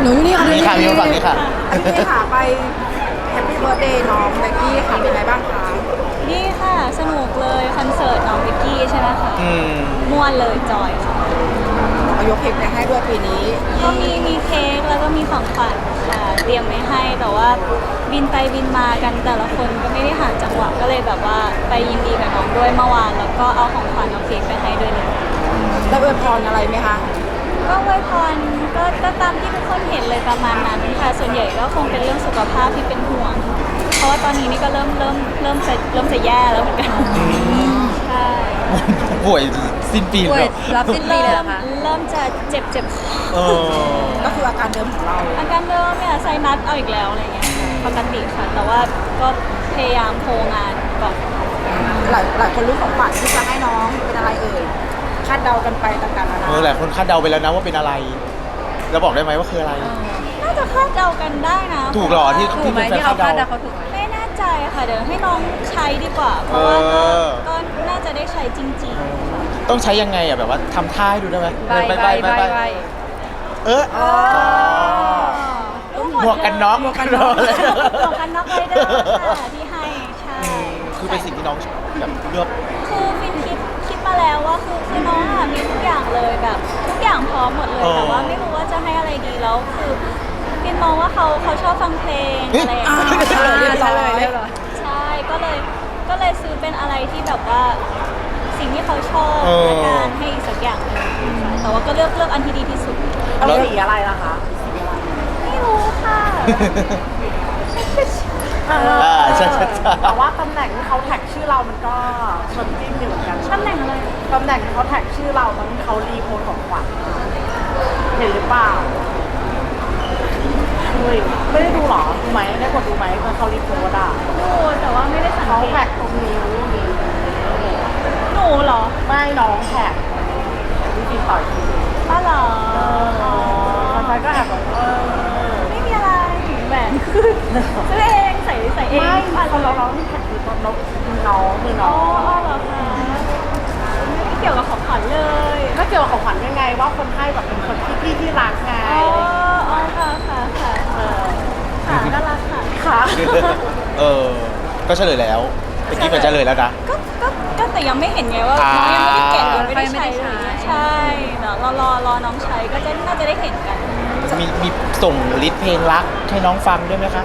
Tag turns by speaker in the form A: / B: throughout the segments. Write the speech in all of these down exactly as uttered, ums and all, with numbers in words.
A: หนูอยู่นี่ค่ะ
B: นี่ค่ะมีคนฝั่งนี้ค่ะ
A: อันนี้ค่ะไปแฮปปี้เบิร์ดเดย์น้องเบกกี้ค่ะเป็นไงบ้างคะ
C: ดีค่ะสนุกเลยคอนเสิร์ตน้องวิกกี้ใช่ไหมคะ
B: อืม
C: ม่วนเลยจอยค่ะ
A: เอายกเพลงไปให้ด้วยปีนี้
C: ก็มีมีเค้กแล้วก็มีของขวัญค่ะเตรียมไว้ให้แต่ว่าบินไปบินมากันแต่ละคนก็ไม่ได้ห่างจังหวะก็เลยแบบว่าไปยินดีกับน้องด้วยเมื่อวานแล้วก็เอาของขวัญเอาเค้กไปให้ด้วยเลย
A: ได้อวยพรอะไรไหมคะ
C: ก็อวยพรก็ก็ตามที่ทุกคนเห็นเลยประมาณนั้นค่ะส่วนใหญ่ก็คงเป็นเรื่องสุขภาพที่เป็นห่วง เพราะว่าตอนนี้นี่ก็เริ่มเริ่มเริ่มจะเริ่มจะแย่แล้วเหมือนกันใช่
B: ป่วยสิ้นปี
D: ป่วย
B: แล้ว
D: รับสิ้นปีเลยเหรอคะ
C: เริ่มจะเจ็บเจ็บคอ
B: เออ
A: ก็คืออาการเดิมของเรา
C: อาการเดิมเนี่ยไซนัสเอาอีกแล้วอะไรเงี้ยปกติค่ะ แต่ว่าก็พยายามโคงานก่อน
A: หลายหลายคนรู้ของขวัญที่จะให้น้องเป็นอะไรเอ่ยคาดเดากันไปต่างๆนานา
B: เออหลายคนคาดเดาไปแล้วนะว่าเป็นอะไรแล้วบอกได้ไหมว่าคืออะไร
C: น่าจะคาดเดากันได้นะ
B: ถูกเหรอที่
D: ถูกไหมที่เขาคาดเดาเขาถูกไหม
C: ไม่แน่ใจค่ะเดี๋ยวให้น้องใช้ดีกว่า เพราะว่าก็
B: เออ
C: ก็น่าจะได้ใช้จริงๆค่ะ
B: ต้องใช้ยังไงอ่ะแบบว่าทำท่าให้ดูได้ไหม
D: ใบใบใบใบ
B: เอออ๋อ
C: รู้
B: หมวกกันน็อก
C: หมวกกันน็อก
B: เลย
C: หมวกกันน็อกไรเดอร์ค่ะที่ให้ใช่
B: คือเป็นสิ่งที่น้องแบบเลือก
C: คือฟินคิดคิดมาแล้วว่าคือคือน้องอะมีทุกอย่างเลยแบบทุกอย่างพร้อมหมดเลย
B: เออ
C: แต่ว่าไม่รู้ว่าจะให้อะไรดีแล้วคือฟินมองว่าเขาเขาชอบฟังเพลง
B: เฮ้ย
C: อะไรอย่างเงี้ย
A: อ่าเรียบร้อย
D: เรียบร้อย
C: ใช่ก็เลยก็เลยซื้อเป็นอะไรที่แบบว่าสิ่งที่เขาชอบ
B: เออ
C: และการให้อีกสักอย่างหนึ่งแต่ว่าก็เลือกเลือกอันที่ดีที่สุด
A: เอาสีอะไรล่ะคะ
C: ไม่รู้ค่ะ
B: อ่าใช่ใช่ใช่
E: แต่ว่าตำแหน่งที่เขาแท็กชื่อเรามันก็ชนจิ้มอยู่เหมือนกัน
C: ตำแหน่งอะไร
E: ตำแหน่งที่เขาแท็กชื่อเราตอนที่เขารีโพสต์ของขวัญเห็นหรือเปล่าเฮ้ยไม่ได้ดูหรอดูไหมได้กดดูไหมตอนเขารีโพสต์อ่ะ
C: ดูแต่ว่าไม่ได้สัง
E: เขา
C: เก
E: แท็
C: ต
E: กตรงนิ้วนี้
C: หนูเหรอ
E: ไม่น้องแท็กวิธีต่อยที
C: ป้าเหรออ๋อ
E: มันก็แอบแบบเออ
C: ไม่มีอะไรแหวนขึ้นซื้อเองใส่ใส่เอง
E: ไม่
C: อ่ะ
E: คนเราเราที่แท็กคือตอนน้องมือน้องมือ
C: อ๋
E: น้
C: อ
E: อง
C: อ๋อเหรอคะไม่ได้เกี่ยวกับของขวัญเลย
E: ถ้าเกี่ยวกับของขวัญยังไงว่าคนให้แบบเป็นคนที่พี่ที่รักไง
C: อ๋ออ๋อค่ะค่ะค่ะ
E: เออ
C: ค่ะน่ารักค่ะ
E: ค่ะ
B: เออ ก็เฉลยแล้วเมื่อกี้มันเฉลยแล้วนะ
C: ก็ก็ก็แต่ยังไม่เห็นไงว่า
B: อ่า
C: น้องยังไม่ได้เก็บยังไม่ได้
D: ไม่
C: ใช้
D: ได้ใช้
C: เลยใช่เดี๋ยวรอรอรอน้องใช้ก็จะน่าจะได้เห็นกัน
B: มีมีส่งลิสต์เพลงรักให้น้องฟังด้วยไหมคะ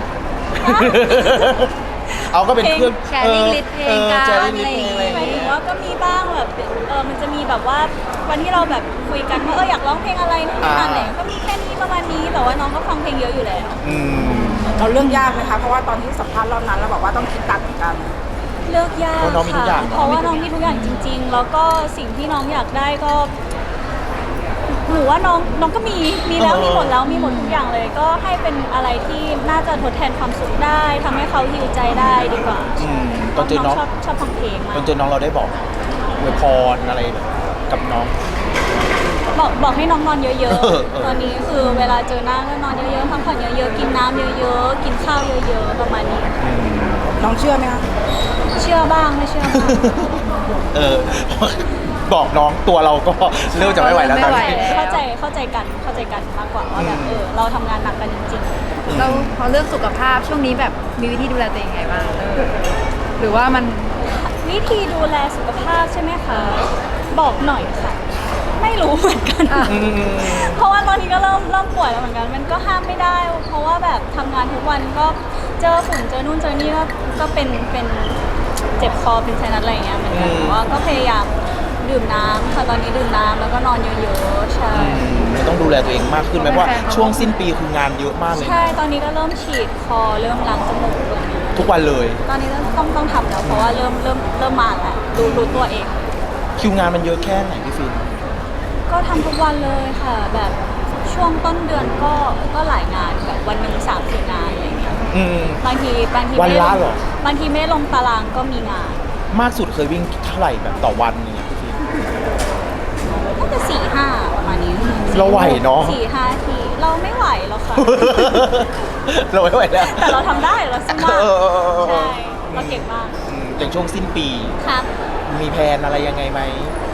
B: เอาก็เป็นเครื่อง
D: แชร์ลิงก์ลิสต์เพลงกัน
B: แชร์ลิงก์ลิสต์เพลงอะไรอย่าง
C: หมายถึ
B: เงี้
C: ง
B: ย
C: ว่าก็มีบ้างแบบเออมันจะมีแบบว่าวันที่เราแบบคุยกันว่าเอออยากร้องเพลงอะไรนู่นนี่นั่นอะไรก็มีแค่นี้ประมาณนี้แต่ว่าน้องก็ฟังเพลงเยอะอยู่แล้ว
B: อืม
A: เราเรื่องยากไหมคะเพราะว่าตอนที่สัมภาษณ์รอบนั้นเราบอกว่าต้องคิดตัดเหมือนกัน
C: เลือกยาก
B: เพราะน้องมีทุกอย่าง
C: ค่ะเพราะว่าน้องมีทุกอย่างจริง ๆ แล้วก็สิ่งที่น้องอยากได้ก็หนูว่าน้องน้องก็มีมีแล้วมีหมดแล้วมีหมดทุกอย่างเลย ก็ให้เป็นอะไรที่น่าจะทดแทนความสุขได้ทำให้เขาฮิวใจได้ดีกว่า
B: อืมตอนเจอน้อง
C: ชอบชอบฟังเพลงมา
B: ตอก นเจอน้องเราได้บอกอวยพรอะไรกับน้อง
C: บอกบอกให้น้องนอนเยอะ
B: เออเออ
C: ๆ ตอนนี้คือเวลาเจอหน้าก็นอนเยอะๆพักผ่อนเยอะๆ กินน้ำเยอะๆ กินข้าวเยอะๆ ประมาณนี้
A: น้องเชื่อไหมคะ
C: เชื่อบ้างไม่เชื่อบ้าง
B: เออ บอกน้องตัวเราก็เริ่มจะไม่ไหวแล้วตอนนี้
D: ไม่ไหว
C: เข้าใจเข้าใจกันเข้าใจกันมากกว่าว่าแบบ
B: อืม
C: เออเราทำงานหนักกันจริง
D: เราพอเรื่องสุขภาพช่วงนี้แบบมีวิธีดูแลตัวเองไงบ้างเออหรือว่ามัน
C: ๆ วิธีดูแลสุขภาพใช่ไหมคะ บอกหน่อยค่ะ ไม่รู้เหมือนกัน
D: อ่ะ
B: อืม
C: เพราะว่าตอนนี้ก็เริ่มเริ่มป่วยแล้วเหมือนกัน มันก็ห้ามไม่ได้ เพราะว่าแบบทำงานทุกวันก็เจอฝุ่นเจอนู่นเจอนี่ก็ก็เป็นเป็นเจ็บคอเป็นไซนัสอะไรอย่างเงี้ยเหมือนกัน
B: อืม
C: แต่ว่าก็พยายามดื่มน้ำค่ะตอนนี้ดื่มน้ำแล้วก็นอนเยอะๆใช่
B: มันต้องดูแลตัวเองมากขึ้นไหมเพราะว่าช่วงสิ้นปีคืองานเยอะมากเลย
C: ใช่ตอนนี้ก็เริ่มฉีดคอเริ่มล้างจมูกอะไรอย่างเงี้ย
B: ทุกวันเลย
C: ตอนนี้ต้องต้องต้องทำแล้วเพราะว่าเริ่มเริ่มเริ่มมาแล้วรู้รู้ตัวเอง
B: คิวงานมันเยอะแค่ไหนพี่ฟิน
C: ก็ทำทุกวันเลยค่ะ แบบช่วงต้นเดือนก็ก็หลายงานแบบวันหนึ่งสามสี่งานอะไรอย่างเงี้ย
B: อืม
C: บางทีบางที
B: วัน
C: ไม่ได้
B: ละ
C: ลง
B: เหรอ
C: บางทีไม่ได้ลงตารางก็มีงาน
B: มากสุดเคยวิ่งเท่าไหร่แบบต่อวันอย่างเงี้ยพี่ฟิน
C: น่าจะสี่ห้าประมาณนี้
B: เราไหวเนอะ
C: สี่ห้าทีเราไม่ไหวหรอกค่ะ
B: เราไม่ไหวแล้ว
C: แต่เราทำได้เราสู้มาก
B: เออเออเออเออ
C: ใช่เราเก่งมาก
B: อืมอย่างช่วงสิ้นปี
C: ครับ
B: มีแผนอะไรยังไงไหม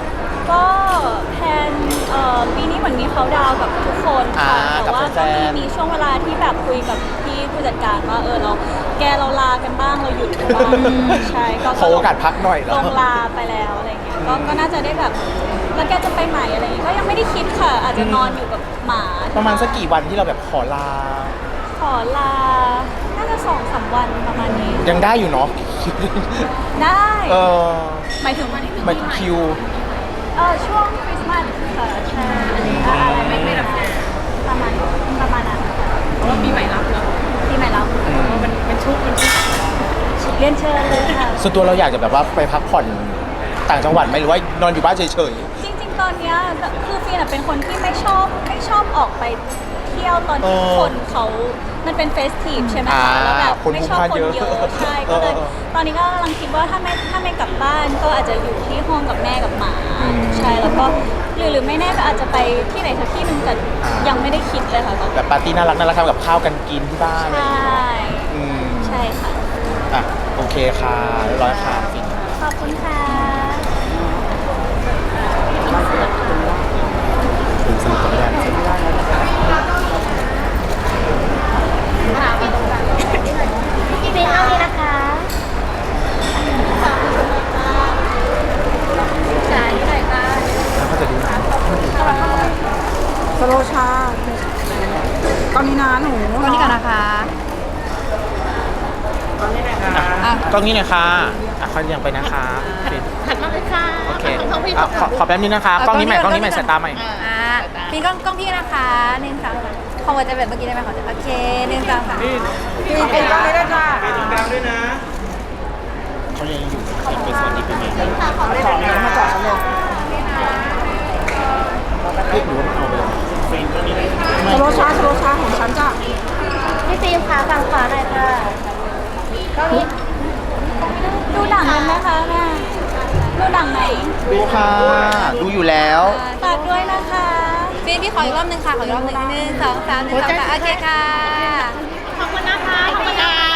C: ก็แพลนเอ่อปีนี้เหมือนมีเขาดาวน์กับทุกคนค่ะ
B: อ่า
C: แต่ว่า
B: กับแฟ
C: ก็มี
B: นๆ
C: มีช่วงเวลาที่แบบคุยกับพี่ผู้จัดการว่าเออเราแกเราลากันบ้างเราหยุดกันบ้างใช่ก็
B: ขอโอกาสพักหน่อยเหร
C: ล
B: อ
C: งลาไปแล้วอะไรเงี้ยก็ก็น่าจะได้แบบแล้วแกจะไปใหม่อะไรเงี้ยก็ยังไม่ได้คิดค่ะ อาจจะนอนอยู่กับหมา
B: ประมาณสักกี่วันที่เราแบบขอลา
C: ขอลาน่าจะสองสามวันประมาณนี้
B: ยังได้อยู่เนาะ
C: ได้
B: เออ
C: หมายถึงวันที่
B: หมายถึงคิว
C: เออช่วงคริสต์มาสค่ะใช่อะไรไม่ไม่รับงานประมาณประมาณนั้นค่ะ
E: เพราะว่าปีใหม่รับเนาะ
C: ปีใหม่รับ
E: มันเป็นชุกเป็นชุก
C: เรียนเชิญเลยค่ะ
B: ส่วนตัวเราอยากจะแบบว่าไปพักผ่อนต่างจังหวัดไหมหรือว่านอนอยู่บ้านเฉย
C: จริงๆ ตอนเนี้ยคือฟีนอะเป็นคนที่ไม่ชอบไม่ชอบออกไปเที่ยวตอนที่คนเขามันเป็นเฟสทีฟใช่ไหม
B: อ่า
C: คะแล้วแบบ
B: คน
C: ไม่
B: พลุก
C: ชอบ
B: พล่าน
C: คน
B: เยอะ
C: เยอะใช่ก็เลย
B: เออ
C: ตอนนี้ก็กำลังคิดว่าถ้าไม่ถ้าไม่กลับบ้านก็อาจจะอยู่ที่ห้องกับแม่กับหมาใช่แล้วก็หรือหรือไม่แน่ก็อาจจะไปที่ไหนสักที่หนึงแต่ยังไม่ได้คิดเลยค่ะตอน
B: ๆ
C: นี้
B: แบบปาร์ตี้น่ารักน่ารักทำกับข้าวกันกินที่บ้าน
C: ใช่
B: อืม
C: ใช่ค่ะ
B: อ่ะโอเคค่ะเรียบร้อยค่ะ
C: ขอบคุณค่ะ
B: สนุกกับไม่ได้
C: พี่เบนเอาเลยนะคะจ่ายที่ไหนคะ
B: แล้วก็จะดู
A: สโลชาตอนนี้นะหนู
D: ตอนนี้ก่อนนะคะ
B: อ่ะกล้องนี้หน่อยค่ะอ่ะเขายังไปนะคะปิด
E: ถัดมาเลยค่ะ
B: โอเคอ่ะขอขอแป๊บนึงนะคะกล้องนี้ใหม่กล้องนี้ใหม่สายตาใหม่
D: อ่าพี่กล้องกล้องพี่นะคะหนึ่งสองสามขอหัวใจแบบเมื่อกี้ได้ไหมขอใจโอเคหนึ่งสองสาม
A: พี่เป็นกล้องนี้ด้วยจ้า
B: เขายังอยู่ยังเป็นส่วนนี้เป็นไง
A: เอาเลยแบบนี้มาจอดฉันเลย
B: เรียกหนูว่าเอาไปเลย
A: สโลชาสโลชาของฉันจ้ะ
C: พี่ฟิล์มคะฝั่งขวาหน่อยค่ะดูหนังกันไหมคะแม่ดูหนังไหม
B: ดูค่ะ ดูอยู่แล้ว
C: ฝากด้วยนะคะ
D: ฟิล์มพี่ขออีกรอบหนึ่งค่ะ ขออีกรอบหนึ่งหนึ่งสองสามหนึ่งสองสามโอเคค่ะ
E: ขอบคุณนะคะขอบคุณค่ะ